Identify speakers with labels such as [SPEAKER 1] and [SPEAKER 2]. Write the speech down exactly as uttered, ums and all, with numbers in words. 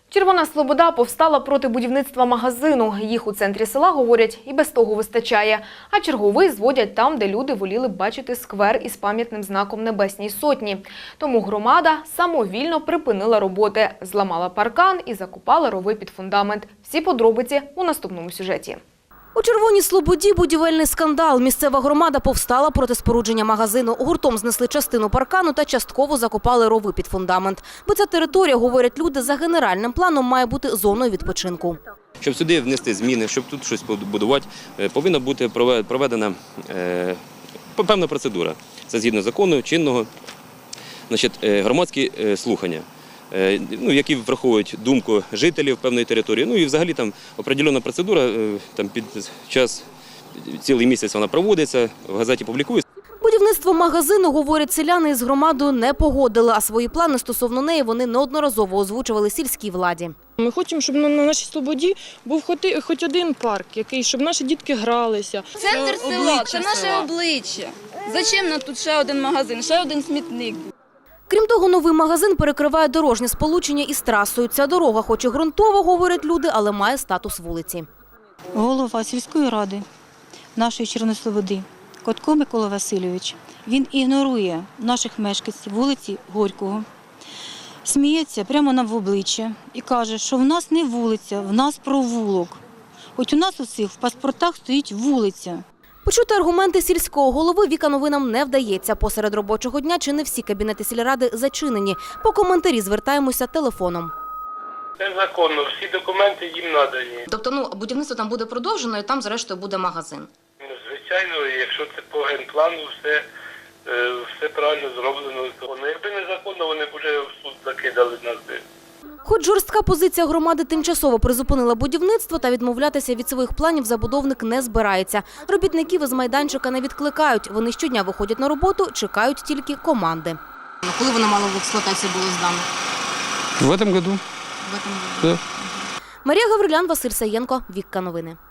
[SPEAKER 1] Червона Слобода повстала проти будівництва магазину. Їх у центрі села, говорять, і без того вистачає. А черговий зводять там, де люди воліли б бачити сквер із пам'ятним знаком Небесній Сотні. Тому громада самовільно припинила роботи, зламала паркан і закопала рови під фундамент. Всі подробиці у наступному сюжеті.
[SPEAKER 2] У Червоній Слободі будівельний скандал. Місцева громада повстала проти спорудження магазину. Гуртом знесли частину паркану та частково закопали рови під фундамент. Бо ця територія, говорять люди, за генеральним планом має бути зоною відпочинку.
[SPEAKER 3] Щоб сюди внести зміни, щоб тут щось побудувати, повинна бути проведена е, певна процедура. Це згідно закону чинного, значить, громадські слухання, ну, які враховують думку жителів певної території. Ну і взагалі там определена процедура, там під час, цілий місяць вона проводиться, в газеті публікується.
[SPEAKER 2] Будівництво магазину, говорять селяни, із громадою не погодили, а свої плани стосовно неї вони неодноразово озвучували сільській владі.
[SPEAKER 4] Ми хочемо, щоб на нашій Слободі був хоч один парк, який, щоб наші дітки гралися.
[SPEAKER 5] Центр села – це наше обличчя. Зачем нам тут ще один магазин, ще один смітник?
[SPEAKER 2] Крім того, новий магазин перекриває дорожнє сполучення із трасою. Ця дорога хоч і ґрунтова, говорять люди, але має статус вулиці.
[SPEAKER 6] Голова сільської ради нашої Червоної Слободи Котко Микола Васильович, він ігнорує наших мешканців вулиці Горького, сміється прямо нам в обличчя і каже, що в нас не вулиця, в нас провулок. Хоч у нас усіх в паспортах стоїть вулиця.
[SPEAKER 2] Почути аргументи сільського голови Віка новинам не вдається. Посеред робочого дня чи не всі кабінети сільради зачинені. По коментарі звертаємося телефоном.
[SPEAKER 7] Це законно, всі документи їм надані.
[SPEAKER 2] Тобто, ну, будівництво там буде продовжено і там, зрештою, буде магазин?
[SPEAKER 7] Ну, звичайно, якщо це по генплану, все, все правильно зроблено. Якби незаконно, вони б вже в суд закидали нас.
[SPEAKER 2] Хоч жорстка позиція громади тимчасово призупинила будівництво, та відмовлятися від своїх планів забудовник не збирається. Робітників із майданчика не відкликають. Вони щодня виходять на роботу, чекають тільки команди.
[SPEAKER 8] Коли воно мало в експлуатацію було здано?
[SPEAKER 9] В этом году.
[SPEAKER 8] В этом году.
[SPEAKER 9] Да.
[SPEAKER 2] Марія Гаврилян, Василь Саєнко, Вікка новини.